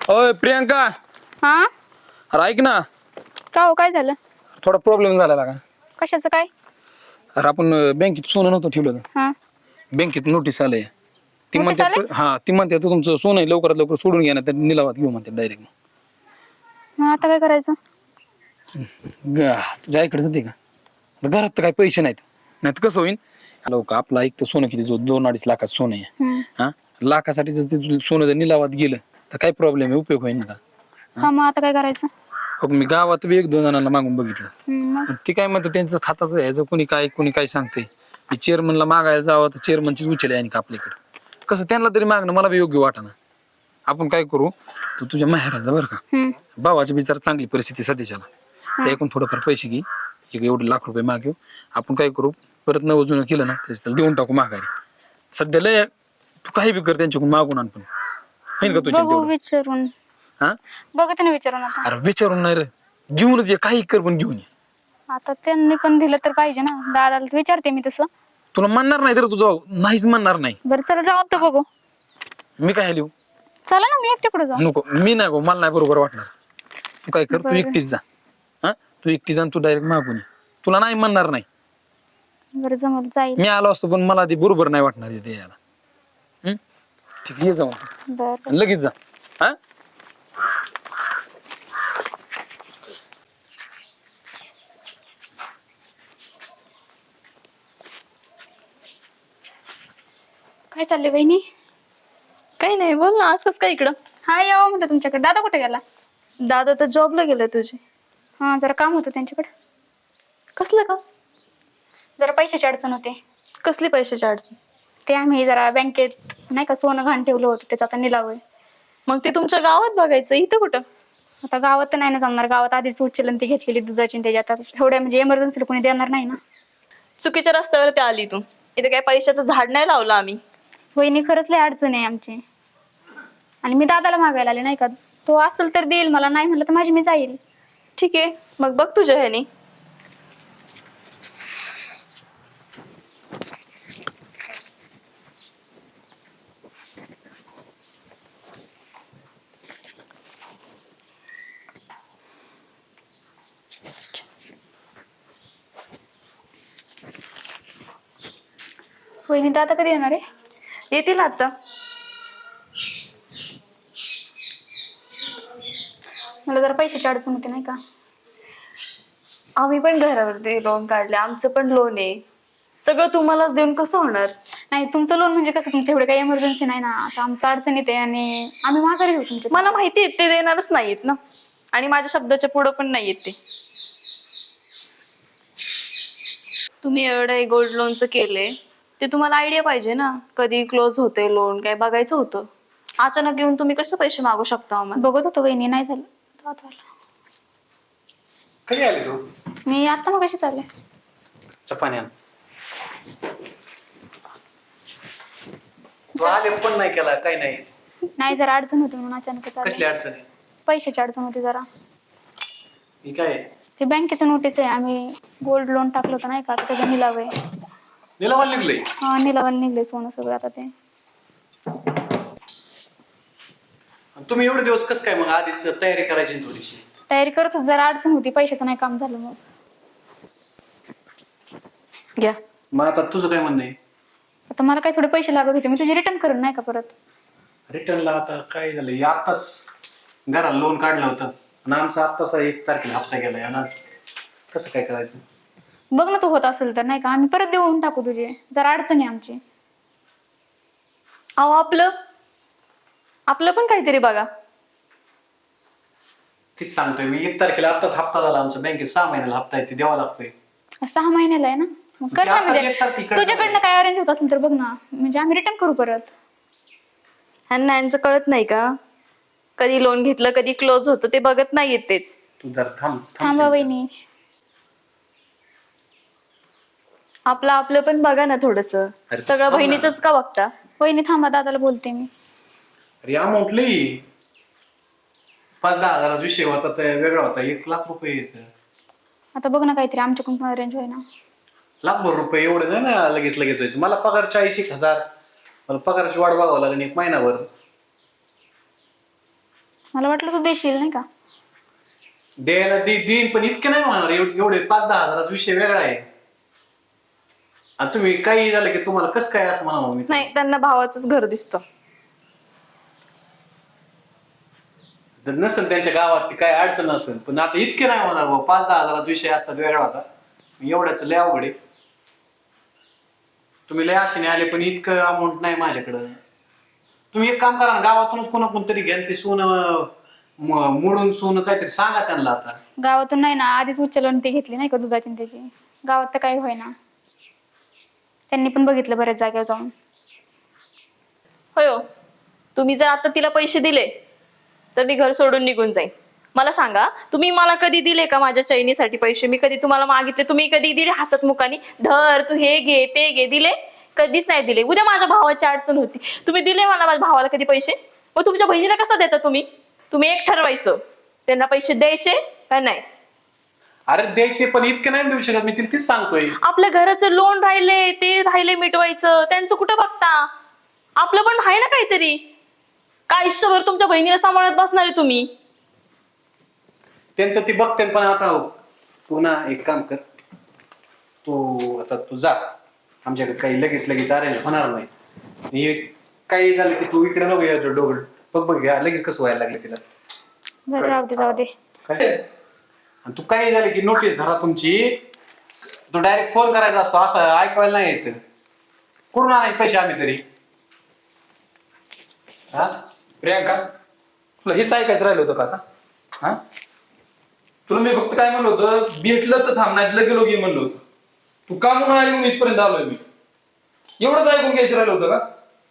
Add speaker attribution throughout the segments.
Speaker 1: ओय प्रियंका,
Speaker 2: हा
Speaker 1: अरे ऐक ना.
Speaker 2: का हो, काय झालं?
Speaker 1: थोडा प्रॉब्लेम झाला का?
Speaker 2: कशाचं काय?
Speaker 1: अरे आपण बँकेत सोनं नव्हतं ठेवलं.
Speaker 2: हा
Speaker 1: बँकेत नोटीस आलंय. ती
Speaker 2: नोटीस
Speaker 1: म्हणते
Speaker 2: आलंय?
Speaker 1: ती म्हणते तुमचं सोनं आहे, लवकरात लवकर सोडून घ्या ना, तर निलावात घेऊ म्हणते डायरेक्ट.
Speaker 2: मग आता काय करायचं?
Speaker 1: तुझ्या आईकडे जाते का? घरात तर काही पैसे नाहीत. नाही तर कसं होईल, लोक आपलं ऐकतं सोनं किती 2-2.5 लाखाचं सोनं आहे. हा, लाखासाठी जर ते सोनं जर निलावात गेलं तर काय प्रॉब्लेम आहे, उपयोग होईल ना का?
Speaker 2: हा मग आता काय करायचं?
Speaker 1: हो, मी गावात बी 1-2 जणांना मागून बघितलं.
Speaker 2: मग
Speaker 1: पण ती काय म्हणते त्यांचं खाताचं ह्याचं कुणी काय सांगते. मी चेअरमनला मागायला जावं तर चेअरमनचीच उचल आहे का आपल्याकडे. कसं त्यांना तरी मागणं मला बी योग्य वाटना. आपण काय करू, तू तुझ्या माहेराला बरं का, भावाची बिचार चांगली परिस्थिती सध्याच्याला, त्या एकूण थोडंफार पैसे घे, एक एवढे लाख रुपये मागेऊ. आपण काय करू, परत नवं जुनं केलं ना त्याच त्याला देऊन टाकू माघारी. सध्या लय तू काही बी कर त्यांच्याकडून मागून आण, पण होईल का तुझ्या
Speaker 2: बघू
Speaker 1: तेवढं?
Speaker 2: विचारून.
Speaker 1: हा,
Speaker 2: बघते ना विचारून आता.
Speaker 1: अरे विचारून नाही रे, घेऊनच ये, काही कर पण घेऊन ये.
Speaker 2: आता त्यांनी पण दिलं तर पाहिजे ना, दादाला तर विचारते मी तसं.
Speaker 1: तुला म्हणणार नाही रे, तुझा नाहीच म्हणणार नाही.
Speaker 2: बरं चला जाऊ तर बघू.
Speaker 1: मी काय लिहू?
Speaker 2: चला ना, मी एकटीकडे जाऊ.
Speaker 1: नको, मी नाही गो, मला नाही बरोबर वाटणार. तू काय कर, तू
Speaker 2: बरं.
Speaker 1: एकटीच जा. हा, तू एकटी जा, तू डायरेक्ट मागून ये. तुला नाही म्हणणार नाही.
Speaker 2: बरं जमल, जाईल.
Speaker 1: मी आलो असतो पण मला ते बरोबर नाही वाटणार इथे यायला. ठीक आहे, ये जाऊन
Speaker 2: बरं
Speaker 1: आणि लगेच जा. हा,
Speaker 2: काय चाललंय बहिणी?
Speaker 3: काही नाही, बोल ना. आज कसं काय इकडं?
Speaker 2: हा यावं म्हटलं तुमच्याकडे. दादा कुठे गेला?
Speaker 3: दादा तर जॉबला गेले तुझे.
Speaker 2: हा जरा काम होतं त्यांच्याकडे.
Speaker 3: कसलं का?
Speaker 2: जरा पैशाची अडचण होते.
Speaker 3: कसली पैशाची अडचण?
Speaker 2: ते आम्ही जरा बँकेत नाही का सोनं घाण ठेवलं होतं, त्याचा आता निलाव आहे.
Speaker 3: मग ते तुमच्या गावात बघायचं, इथं कुठं?
Speaker 2: आता गावात तर नाही ना जमणार. गावात आधीच उचलन ती घेतलेली दुधाची, त्याच्या आता एवढ्या म्हणजे इमर्जन्सीला कोणी देणार नाही ना.
Speaker 3: चुकीच्या रस्त्यावर ते आली तू. इथे काय पैशाचं झाड नाही लावलं आम्ही.
Speaker 2: वहिनी खरंच लय अडचण आहे आमची. आणि मी दादाला मागायला आले नाही का, तो असेल तर देईल मला, नाही म्हणलं तर माझी मी जाईल.
Speaker 3: ठीक आहे, मग बघ तुझ्या ह्याने.
Speaker 2: वहिनी दादा कधी येणार आहे?
Speaker 3: येतील आता.
Speaker 2: मला जरा पैशाची अडचण होते नाही का.
Speaker 3: आम्ही पण घरावरती लोन काढले, आमचं पण लोन आहे. सगळं तुम्हालाच देऊन कसं होणार?
Speaker 2: नाही तुमचं लोन म्हणजे कसं, तुमच्या एवढे काही इमर्जन्सी नाही ना. आता आमचं अडचण येते आणि आम्ही माघारी घेऊ तुमच्या.
Speaker 3: मला माहिती आहे ते देणारच नाहीत ना, आणि माझ्या शब्दाच्या पुढं पण नाही येत ते. तुम्ही एवढं गोल्ड लोनचं केले, ते तुम्हाला आयडिया पाहिजे ना, कधी क्लोज होते लोन, काय बघायचं होतं. अचानक येऊन तुम्ही कसं पैसे मागू शकता आम्हाला?
Speaker 2: बघत होतो वहिनी, नाही झालं. दादा आला.
Speaker 1: कधी आली तू?
Speaker 2: मी आता मग कशी चालले.
Speaker 1: चपान्या तू आले पण नाही केला, काही नाही.
Speaker 2: नाही जरा अडचण होती म्हणून अचानक
Speaker 1: कसली
Speaker 2: चालले.
Speaker 1: अडचण आहे?
Speaker 2: पैशाची अडचण होती जरा.
Speaker 1: ही काय आहे?
Speaker 2: ते बँकेचं नोटीस आहे, आम्ही गोल्ड लोन टाकलं होतं नाही का, आता त्याचा निलाव आहे.
Speaker 1: निलावाला निघलंय?
Speaker 2: हा निलावाला निघले सोनं सगळं आता ते.
Speaker 1: तुम्ही एवढे दिवस कसं काय मग आधीच तयारी करायची ना थोडीशी?
Speaker 2: तयारी करत होतो, जरा अडचण होती, पैशाचं नाही काम झालं मग.
Speaker 3: घ्या.
Speaker 1: मग आता तुझं काय म्हणणं आहे?
Speaker 2: आता मला काही थोडे पैसे लागत होते, मी तुझे रिटर्न करून नाही का परत.
Speaker 1: रिटर्नला आता काय झालं, आत्ताच घराला लोन काढलं होतं आणि आमचा आत्ताच 1 तारखेला हप्ता गेलाय आणि आज कसं काय करायचं?
Speaker 2: बघ ना तू होत असेल तर नाही का, आम्ही परत देऊन टाकू तुझे. जरा अडचण आहे आमची.
Speaker 3: अहो आपलं पण काहीतरी बघा.
Speaker 1: तीच सांगतोय मी, 1 तारखेला आत्ताच हप्ता झाला आमचा बँकेत. 6 महिन्याला हप्ता आहे, ते द्यावा लागतोय.
Speaker 2: 6 महिन्याला आहे ना, मग कर ना.
Speaker 1: आता
Speaker 2: म्हणजे
Speaker 1: एक तारखेकडे
Speaker 2: तुझ्याकडनं काय अरेंज होत असेल तर बघ ना, म्हणजे आम्ही रिटर्न करू परत.
Speaker 3: ह्यांना यांचं कळत नाही का, कधी लोन घेतलं कधी क्लोज होतं ते बघत नाहीयेत तेच.
Speaker 1: तू जरा थांब
Speaker 2: थांबा वहिनी.
Speaker 3: आपलं पण बघा ना थोडस.
Speaker 1: अरे
Speaker 3: सगळं
Speaker 1: थांब ना.
Speaker 3: बहिणीचंच का बघता?
Speaker 2: वहिनी थांबा, दादाला बोलते मी.
Speaker 1: अरे अमाऊंट लई 5-10 हजाराचा विषय होता, तर वेगळा होता. 1 लाख रुपये येत.
Speaker 2: आता बघ ना काहीतरी आमच्याकडून पण अरेंज होईना.
Speaker 1: लाखभर रुपये एवढं नाही ना लगेच व्हायचं. मला पगार 40,000. मला पगाराची वाट बघावं लागेल 1 महिनाभर.
Speaker 2: मला वाटलं तू देशील नाही का.
Speaker 4: द्यायला देईन पण इतके नाही होणार. एवढे 5-10 हजाराचा विषय वेगळा आहे. आणि तुम्ही काही झालं की तुम्हाला कसं काय असं म्हणावं मी.
Speaker 3: नाही, त्यांना भावाचंच घर दिसतं.
Speaker 4: जर नसेल त्यांच्या गावात ती काय अडचण नसेल, पण आता इतके नाही होणार भाऊ. 5-10 हजाराचा विषय असतात वेगळा होता. एवढ्याच लय अवघड आहे. तुम्ही लय आशेने आले पण इतकं अमाऊंट नाही माझ्याकडं. तुम्ही एक काम करा ना, गावातूनच कोणी घ्या ते सोनं मोडून सोनं काहीतरी सांगा त्यांना. आता
Speaker 2: गावातून नाही ना, आधीच उचलून ती घेतली नाही का दुधाची आणि त्याची. गावात तर काही होईना. त्यांनी पण बघितलं बऱ्याच जागेवर जाऊन.
Speaker 3: होय हो. तुम्ही जर आता तिला पैसे दिले तर मी घर सोडून निघून जाईन. मला सांगा, तुम्ही मला कधी दिले का माझ्या चैनीसाठी पैसे? मी कधी तुम्हाला मागितले? तुम्ही कधी दिले हसतमुखाने, धर तू हे घे ते घे? दिले? कधीच नाही दिले. उद्या माझ्या भावाची अडचण होती, तुम्ही दिले मला माझ्या भावाला कधी पैसे? मग तुमच्या बहिणीला कसं देता तुम्ही? तुम्ही एक ठरवायचं, त्यांना पैसे द्यायचे का नाही.
Speaker 4: अरे द्यायचे पण इतके नाही देऊ शकत मी. तिला तीच सांगतोय.
Speaker 3: आपल्या घराचं लोन राहिले ते राहिले मिटवायचं, त्यांचं कुठं बघता? आपलं पण आहे ना काहीतरी. काय आयुष्यभर तुमच्या बहिणीला सांभाळत बसणार आहे तुम्ही?
Speaker 4: त्यांचं ती बघते पण आता तू ना एक काम कर. तू आता तू जा. आमच्याकडे काही लगेच अरेंज होणार नाही. हे काही झालं की तू इकडे नको यायचं डोगड. बघ घ्या लगेच कसं व्हायला लागलं तिला.
Speaker 2: बरं राहू दे, जाऊ दे.
Speaker 4: काय आणि तू काही झालं की नोटीस धरा तुमची. तू डायरेक्ट फोन करायचा असतो, असं ऐकवायला नाही यायचं. कुठून आणायचे पैसे आम्ही तरी? हा
Speaker 1: प्रियांका, तुला हे ऐकायचं राहिलं होतं का आता? हा, तुला मी फक्त काय म्हणलं होतं, भेटलं तर थांब, नाही लगे लोक ये म्हणलं होतं. तू का म्हणून आली म्हणून इथपर्यंत आलोय मी. एवढंच ऐकून घ्यायचं राहिलं होतं का?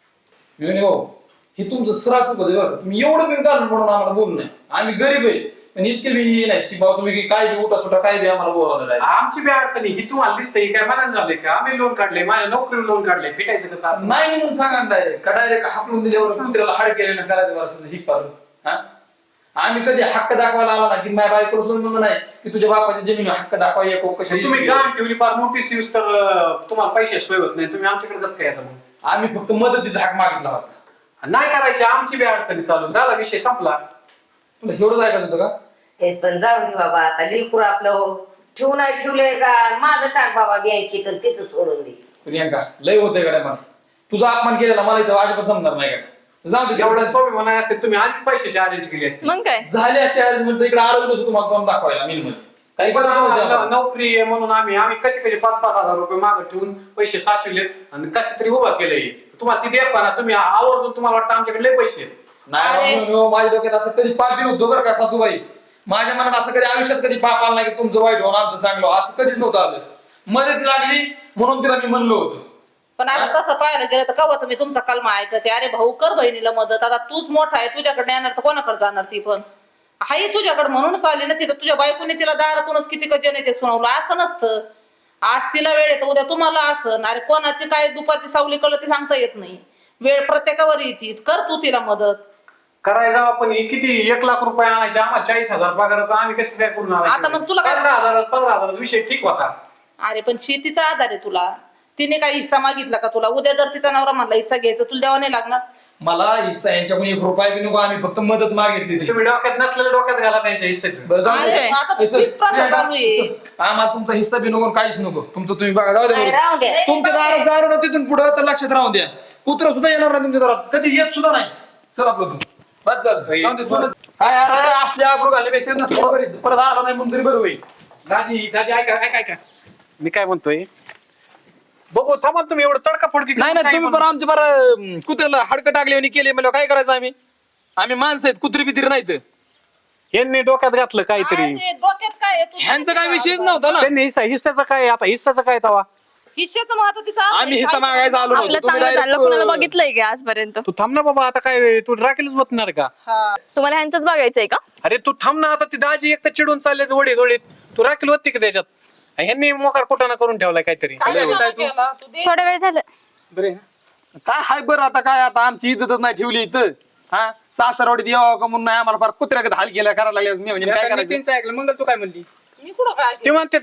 Speaker 1: मी म्हणे भाऊ हे तुमचं सराच होतं बरं. तुम्ही एवढं बिन कारण म्हणून आम्हाला बोलू नाही. आम्ही गरीब आहे पण इतके बी नाही की बाबा तुम्ही काय बी उठा सुटा काय बी आम्हाला बोलावलं नाही.
Speaker 4: आमची बी अडचणी ही तुम्हाला दिसते काय मनात झाले का? आम्ही लोन काढले, माझ्या नोकरी लोन काढले, भेटायचं कसं असं?
Speaker 1: नाही म्हणून सांगा डायरेक्ट का डायरेक्ट हाकलून दिल्यावर कुत्र्याला हाड केलं करायचं बरं असं हिक पाडून. हा, आम्ही कधी हक्क दाखवायला आला ना की माझ्या बायकोला म्हणून नाही की तुझ्या बापाच्या जमीन हक्क दाखवा एको कशा.
Speaker 4: तुम्ही गाण ठेवली फार मोठी सीव्स तर तुम्हाला पैसे सोय होत नाही. तुम्ही आमच्याकडे कसं काय येतं मग?
Speaker 1: आम्ही फक्त मदतीचा हाक मागितला होता.
Speaker 4: नाही करायची. आमची बी अडचणी चालू झाला, विषय संपला.
Speaker 1: तुला एवढंच ऐकायचं होतं का?
Speaker 5: हे पण जाऊ दे बाबा, आता लेकरू आपलं ठेवून नाही ठेवलंय का? माझं टाक बाबा बँकेत आणि तिथं सोडून दे.
Speaker 1: प्रियांका लय होतंय का मला तुझा अपमान केलेला मला इथं अजिबात जमणार नाही का? जाऊ दे
Speaker 4: एवढं सोबी म्हणाय असते तुम्ही आधीच पैशाची अरेंज केली असते.
Speaker 3: मग काय
Speaker 1: झाले असते अरेंजमेंट इकडे आलो नसतो तुम्हाला काम दाखवायला मिल मध्ये काही
Speaker 4: पण
Speaker 1: गरज नव्हती
Speaker 4: आम्हाला
Speaker 1: आम्हाला.
Speaker 4: नोकरी आहे म्हणून आम्ही कसे 5-5 हजार रुपये मागे ठेवून पैसे साचविले आणि कसे तरी उभा केलंय. तुम्हाला ती देख ना, तुम्ही आवर्जून तुम्हाला वाटतं आमच्याकडे लय पैसे आहेत.
Speaker 1: नाही बाबा, माझ्या डोक्यात असं कधी पाप बी नव्हतं बरं का सासूबाई. माझ्या मनात असं कधी आयुष्यात कधी पाप आला नाही की तुमचं वाईट होऊन आमचं चांगलं असं कधीच नव्हतं आलं. मदत लागली म्हणून तिला मी म्हणलो होतो.
Speaker 6: पण आता तसं पाहायला गेलं तर कवाच मी तुमचा कलमा ऐकते. अरे भाऊ कर बहिणीला मदत. आता तूच मोठा आहे, तुझ्याकडे येणार तर कोणाकडे जाणार? ती पण हाई तुझ्याकडे म्हणूनच आली ना. तिथं तुझ्या बायकोने तिला दारातूनच किती कजने ते सुनावलं. असं नसतं. आज तिला वेळ येतं, उद्या तुम्हाला असं. अरे कोणाची काय दुपारची सावली कळलं ते सांगता येत नाही. वेळ प्रत्येकावर येते. कर तू तिला मदत.
Speaker 4: करायचं आपण हे किती 1 लाख रुपये आणायचे, आम्हाला 40,000 पगार होता. आम्ही कसं काय करून आणायचं?
Speaker 6: आता मग तुला काय-
Speaker 4: 15,000 विषय ठीक होता.
Speaker 6: अरे पण शेतीचा आधार आहे तुला. तिने काही हिस्सा मागितला का तुला? उद्या जर तिचा नवरा म्हणला हिस्सा घ्यायचा, तुला द्यावा नाही लागणार?
Speaker 1: मला हिस्सा यांच्याकडून 1 रुपया बी नको. आम्ही फक्त मदत मागितली ती.
Speaker 4: तुम्ही डोक्यात नसलेल्या डोक्यात घाला त्यांच्या हिस्सेचं.
Speaker 1: बरं जाऊ दे.
Speaker 6: अरे, आता
Speaker 1: हे चल,
Speaker 6: तीच प्रथा
Speaker 1: प्रियांका,
Speaker 6: चालू आहे.
Speaker 1: चल. आम्हाला तुमचा हिस्सा बी नको काहीच नको. तुमचं तुम्ही बघा. जाऊ
Speaker 5: नाही,
Speaker 1: द्या
Speaker 5: राहू द्या.
Speaker 1: तुमच्या दारात जाणार ना तिथून पुढे तर लक्षात राहू द्या. कुत्र सुद्धा येणार नाही तुमच्या दारात कधी येत सुद्धा नाही. चल आपलं तू बस चल. जाऊ दे, सोडत. काय अरे असल्या आपण घालण्यापेक्षा नसतं बरं. परत आला नाही म्हणून तरी बरं होईल.
Speaker 4: दाजी ऐका मी काय म्हणतोय, बघू थांबा तुम्ही. एवढं तडका फडकी
Speaker 1: नाही नाही तुम्ही बरं आमच्या बरं कुत्र्याला हडकं टाकले आणि केले म्हणजे काय करायचं? आम्ही माणसं आहेत, कुत्री बित्री नाहीत.
Speaker 4: यांनी डोक्यात घातलं काहीतरी.
Speaker 6: अरे, डोक्यात काय आहे? तू-
Speaker 1: ह्यांचा काय विषयच नव्हता ना.
Speaker 4: त्यांनी हिस्साचं काय आता? हिस्साचं काय तवा?
Speaker 6: हिश्श्याचं महत्व तिचा अर्थ आहे.
Speaker 1: आम्ही हिस्सा मागायचा आलो
Speaker 3: आपलं
Speaker 1: नव्हतो. तुम्ही
Speaker 3: चांगलं झालं,
Speaker 1: direct,
Speaker 3: कुणाला बघितलंय का आजपर्यंत?
Speaker 4: तू थांब ना बाबा. आता काय तू राखेलच बसणार का?
Speaker 3: तुम्हाला ह्यांचंच बघायचंय का?
Speaker 4: अरे तू थांब ना. आता ती दाजी एक तर चिडून चालले वडीत. तू राखेल होती का त्याच्यात? ह्यांनी मोकार कुटाणा करून ठेवलाय काहीतरी.
Speaker 6: काय नाटक केलं? तू दे.
Speaker 2: थोडा वेळ झालं.
Speaker 1: बरे काय हाय बरं आता काय आता आमची इज्जतच नाही ठेवली इथं. हा सासरवाडीत यावं का म्हणून नाही आम्हाला फार कुत्र्याकडे हाल केला करायला लागले. मी म्हणजे काय करायचं?
Speaker 7: ऐकलं मंगल तू काय म्हणली
Speaker 6: मी कुठं काय
Speaker 4: ते म्हणतात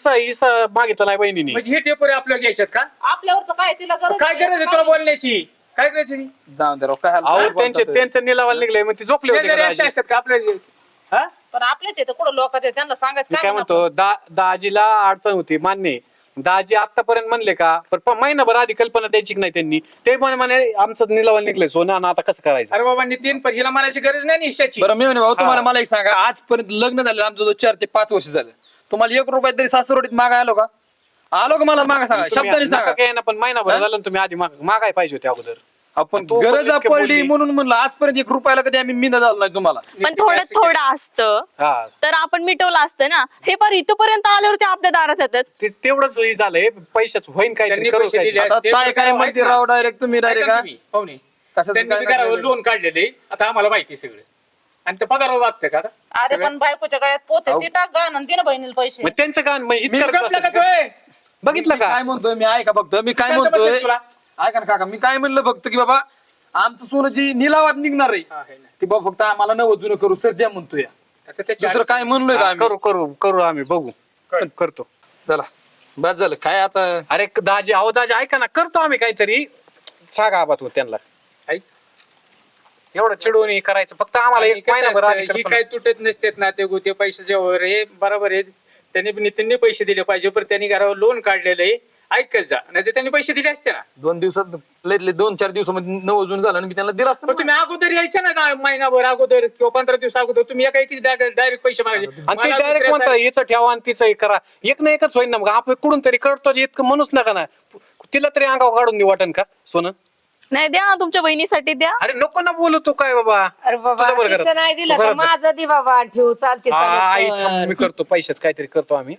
Speaker 4: हिस्सा मागितला नाही बहिणीने.
Speaker 7: म्हणजे हे टेपोरे आपल्याला घ्यायच्यात का?
Speaker 6: आपल्यावरच काय तिला गरज
Speaker 7: काय
Speaker 6: आहे?
Speaker 7: गरज आहे तुला बोलण्याची? काय करायचं ती?
Speaker 1: जाऊन दे राव, काय हाल-
Speaker 4: अहो
Speaker 1: काय
Speaker 4: त्यांचे
Speaker 1: बोलतात?
Speaker 4: त्यांच्या निलावाला निघले मग ते झोपले होते का
Speaker 7: शेजारी असे
Speaker 4: दाजी?
Speaker 7: असतात का आपल्या हा
Speaker 6: पण आपलेच आहे तर कुठं लोकांचे त्यांना सांगायचं
Speaker 4: मी काय
Speaker 6: म्हणा
Speaker 4: म्हणतो दाजीला अडचण होती मान्य आहे. दाजी आतापर्यंत म्हणले का पण महिनाभर आधी कल्पना द्यायची की नाही त्यांनी ते म्हणे आमचं निलावाला निघलंय सोनं आणि आता कसं करायचं.
Speaker 7: अरे बाबा नितीन पण हिला म्हणायची गरज नाही निश्चयाची.
Speaker 1: बरं मी म्हणे भाऊ तुम्हाला मला एक सांगा, आजपर्यंत लग्न झालं आमचं जो 4 ते 5 वर्ष झालं, तुम्हाला 1 रुपया तरी सासरवडीत मागा आलो का? आलो का मला मागा सांगा, शब्दाने
Speaker 4: तुम्ही
Speaker 1: सांगा.
Speaker 4: नका काय ना पण महिनाभर झालं ना तुम्ही आधी मागाय पाहिजे होते अगोदर.
Speaker 1: आपण
Speaker 4: तू पण
Speaker 1: गरज
Speaker 4: इतके
Speaker 1: पडली
Speaker 4: बोलली.
Speaker 1: म्हणून म्हणलं आजपर्यंत 1 रुपयाला कधी आम्ही मिना झालो नाही तुम्हाला.
Speaker 3: पण थोडं थोडं असतं
Speaker 4: हा
Speaker 3: तर आपण मिटवलं असतं ना. हे पण इथपर्यंत आल्यावर ते आपल्या दारात येतात.
Speaker 4: तेवढंच हे झालंय पैशाच होईन काहीतरी
Speaker 7: त्यांनी
Speaker 4: करू
Speaker 7: पैसे
Speaker 4: काहीतरी.
Speaker 7: दिले.
Speaker 1: आता
Speaker 7: ते
Speaker 1: काय
Speaker 7: तर
Speaker 1: काय
Speaker 7: काय
Speaker 1: म्हणते
Speaker 7: ऐका.
Speaker 1: राव डायरेक्ट तुम्ही डायरेक्ट
Speaker 7: ऐका तुम्ही, पाहुणे.
Speaker 1: कशाचं
Speaker 7: त्यांनी
Speaker 1: काय
Speaker 7: बी घरावर
Speaker 1: नाही
Speaker 7: लोन काढलेले आता आम्हाला माहिती सगळं आणि ते पगार वागतं का आता?
Speaker 6: अरे पण बायकोच्या गळ्यात पोते ती टाक गा आणि दे ना बहिणीला पैसे
Speaker 4: मग त्यांचं गाणं मग हीच
Speaker 7: मी
Speaker 4: करत
Speaker 7: गप्प
Speaker 4: बसतात
Speaker 7: लागत
Speaker 4: का?
Speaker 7: होय.
Speaker 4: बघितलं
Speaker 1: मी
Speaker 4: का
Speaker 1: काय म्हणतोय मी ऐका फक्त मी काय
Speaker 7: शांत
Speaker 1: म्हणतोय
Speaker 7: बसेल तुला.
Speaker 1: ऐका ना काका, मी काय म्हणलं फक्त की बाबा आमचं सोनं जी निलावात निघणार आहे
Speaker 7: हा, है ना.
Speaker 1: ती बाबा फक्त आम्हाला नवं जुनं करू सर द्या म्हणतोय.
Speaker 7: त्याचं त्याची
Speaker 1: दुसरं काय म्हणलोय का
Speaker 4: हा,
Speaker 1: आम्ही?
Speaker 4: करू आम्ही बघू करतो.
Speaker 1: चला बस झालं काय आता.
Speaker 4: अरे दाजी अहो दाजी ऐका ना करतो आम्ही काहीतरी सांगा आबा तू त्यांना
Speaker 7: ऐक.
Speaker 4: एवढं चिडून हे करायचं फक्त आम्हाला
Speaker 7: आणि
Speaker 4: एक
Speaker 7: कसं
Speaker 4: महिनाभर
Speaker 7: असतं,
Speaker 4: आधी
Speaker 7: ही
Speaker 4: कल्पना.
Speaker 7: काय तुटत नसतेत ना ते गोते पैशाच्या वर हे बरोबर आहे. त्यांनी नितीनने पैसे दिले पाहिजे पण त्यांनी घरावर लोन काढलेलं आहे. ऐकत जा नाही त्यांनी पैसे दिले असते ना.
Speaker 1: 2 दिवसात लयतले 2-4 दिवसामध्ये नवं जुनं झालं आणि मी त्यांना दिलं असतं
Speaker 7: पण
Speaker 1: ना.
Speaker 7: तुम्ही अगोदर यायचे ना महिनाभर अगोदर किंवा 15 दिवस अगोदर तुम्ही एका एकीच डायरेक्ट पैसे मागायचे.
Speaker 4: आणि ते
Speaker 7: मला
Speaker 4: डायरेक्ट
Speaker 7: दुसऱ्या
Speaker 4: म्हणतं याचं ठेवा आणि तिचं हे करा एक ना एकच होईन ना मग आपण कुठून तरी करतो इतकं म्हणूच नका ना तिला तरी अंगावर काढून देऊ वाटन का सोनं.
Speaker 3: नाही द्या ना, तुमच्या बहिणीसाठी द्या.
Speaker 4: अरे नको ना बोलू तू काय बाबा
Speaker 5: अरे बाबा
Speaker 4: तुझं बरं
Speaker 5: तिचं
Speaker 4: करत.
Speaker 5: नाही दिलं
Speaker 4: तू
Speaker 5: तर
Speaker 4: करत जा.
Speaker 5: माझं दे बाबा ठेव चालते
Speaker 4: हा, आई थांब,
Speaker 5: चालत
Speaker 4: मी करतो पैशाच काहीतरी करतो आम्ही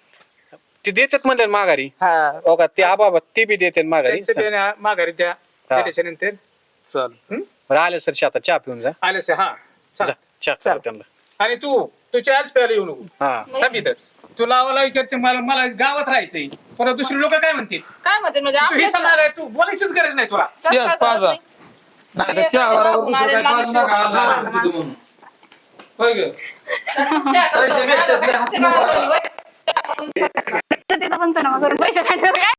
Speaker 4: ते देतात म्हणले माघारी
Speaker 5: हा
Speaker 4: हो का ते आबा ते बी देतात माघारी
Speaker 7: त्यांच्या बियाण्या माघारी द्या त्याच्यानंतर
Speaker 1: चल
Speaker 4: बरं आले सर आता चहा पिऊन जा
Speaker 7: आलेस हा
Speaker 4: जा,
Speaker 7: चल.
Speaker 4: चहा करा त्यांना
Speaker 7: आणि तू आज प्यायला येऊ नको
Speaker 4: हा
Speaker 7: थांब इथं. तुला मला विचारचं मला गावात राहायचंय परत दुसरी लोक काय म्हणतील
Speaker 6: काय म्हणते म्हणजे
Speaker 7: तू हे
Speaker 6: आपल्या
Speaker 7: सांगणार आहे, तू बोलायचीच गरज नाही तुला.
Speaker 1: Cheers, पाजा. नाही तर चहा बरोबर दुसरं काय
Speaker 6: माझ्या
Speaker 1: पाजू नका, आज
Speaker 6: शेवटी-
Speaker 1: आराम होतो म्हणून. होय गं? पैसे भेटतात, लय हसू नका.
Speaker 2: तिचा पण तो ना करून पैसे भेटतात काय